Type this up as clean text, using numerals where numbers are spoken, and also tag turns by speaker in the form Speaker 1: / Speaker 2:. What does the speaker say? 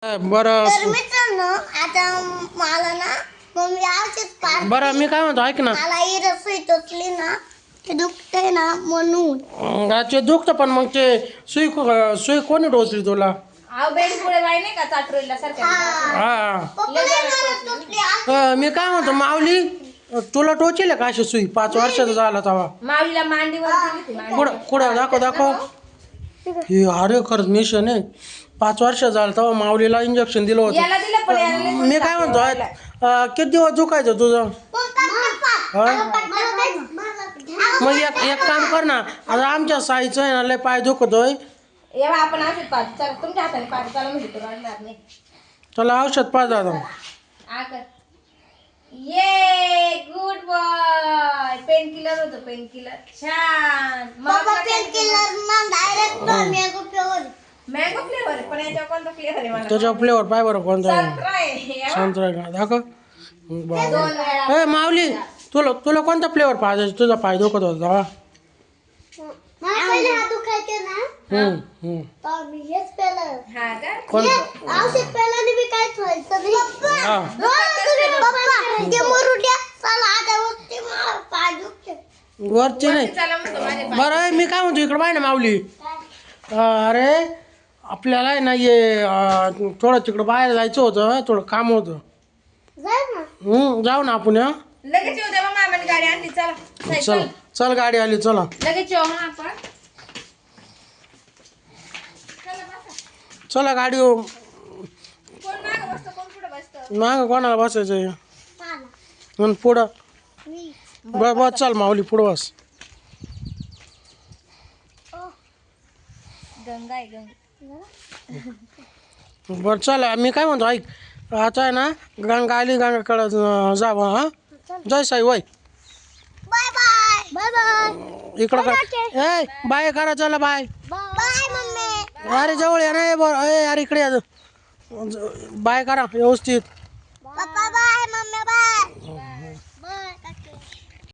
Speaker 1: बरं
Speaker 2: तर मित्रांनो आता मला ना मम्मी औषध पाजते.
Speaker 1: बरं मी काय म्हणतो ऐक ना
Speaker 2: मला ही रसोई टोचली ना ते दुखते ना म्हणून
Speaker 1: ते दुखतं पण मग ते सुई सुई कोणी टोचली तुला
Speaker 3: बेडमुळे बाई नाही का चाटरोलीला सारख्या
Speaker 1: हा
Speaker 2: पप्पाला मला टोचली.
Speaker 1: मी काय म्हणतो माऊली तुला टोचेल का अशी सुई 5 वर्षाचा झाला तेव्हा
Speaker 3: माऊलीला मांडीवर दिली ती मांडी.
Speaker 1: कुठं कुठं दाखव हे अरे खरंच मिशन आहे 5 वर्ष झालं तेव्हा माऊलीला इंजेक्शन दिलं
Speaker 3: याला दिलं पण याला
Speaker 1: होतं
Speaker 3: नाही
Speaker 1: मी काय म्हणतो किती दिवस दुखायचं तुझं
Speaker 2: पप्पा
Speaker 1: हा? मग एक काम कर ना आता आमच्या साईचं आहे ना लय पाय दुखतोय
Speaker 3: एव्हा आपण औषध पाहतो चला तुमच्या हाताने पाहतो चला म्हणजे तो रडणार नाही
Speaker 1: त्याला औषध पाच दादा
Speaker 3: आकर ये गुड बॉय पेन किलर होतो पेन किलर छान
Speaker 2: पप्पा पेन किलर ना direct mango flavour.
Speaker 3: Mango flavour पण याच्यावर कोणता फ्लेवर आहे मला
Speaker 1: त्याच्या फ्लेवर पाय बरं कोणता आहे
Speaker 3: संत्रा आहे
Speaker 1: संत्रा का दाखव बाबा.
Speaker 3: 2 वेळा
Speaker 1: ए माऊली तुला कोणता फ्लेवर पाहिजे तुझा पाय दुखत होता
Speaker 2: मला पहिले हात दुखायचे ना तर मी हेच पेलं.
Speaker 3: हा का
Speaker 1: कोणता
Speaker 2: औषध पेल्याने मी काहीच व्हायचं नाही.
Speaker 1: हा.
Speaker 2: पप्पा ते मरू द्या चला आता वरती मला पाय दुखते.
Speaker 1: वरची नाही
Speaker 3: चला म्हणतो माझे
Speaker 1: बरं आहे, मी काय म्हणतो इकडे पाय ना माऊली अरे आपल्याला आहे ना ये थोडं तिकडं बाहेर जायचं होतं थोडं काम होतं
Speaker 2: जाय ना.
Speaker 1: जाऊ ना आपण हा
Speaker 3: लगेच येऊ द्या मग मामाने गाडी आणली चला
Speaker 1: चल
Speaker 3: चल
Speaker 1: चल गाडी आली चला
Speaker 3: लगेच येऊ मग आपण
Speaker 1: चला गाडी
Speaker 3: कोण मागं बसतं कोण पुढे बसतं
Speaker 1: माग कोणाला बसायचं
Speaker 2: चला.
Speaker 1: आणि पुढं
Speaker 2: मी.
Speaker 1: बस चल माऊली पुढं बस
Speaker 3: गंगा आहे गंगा
Speaker 1: बरं चल मी काय म्हणतो ऐक आता आहे ना गंगा आली गंगाकडं जावं हा जय साई वय
Speaker 2: बाय बाय बाय बाय
Speaker 1: इकडं कर ए बाय करा चला बाय
Speaker 2: बाय मम्मी.
Speaker 1: अरे जवळ या ना बरं अरे इकडे या बाय करा व्यवस्थित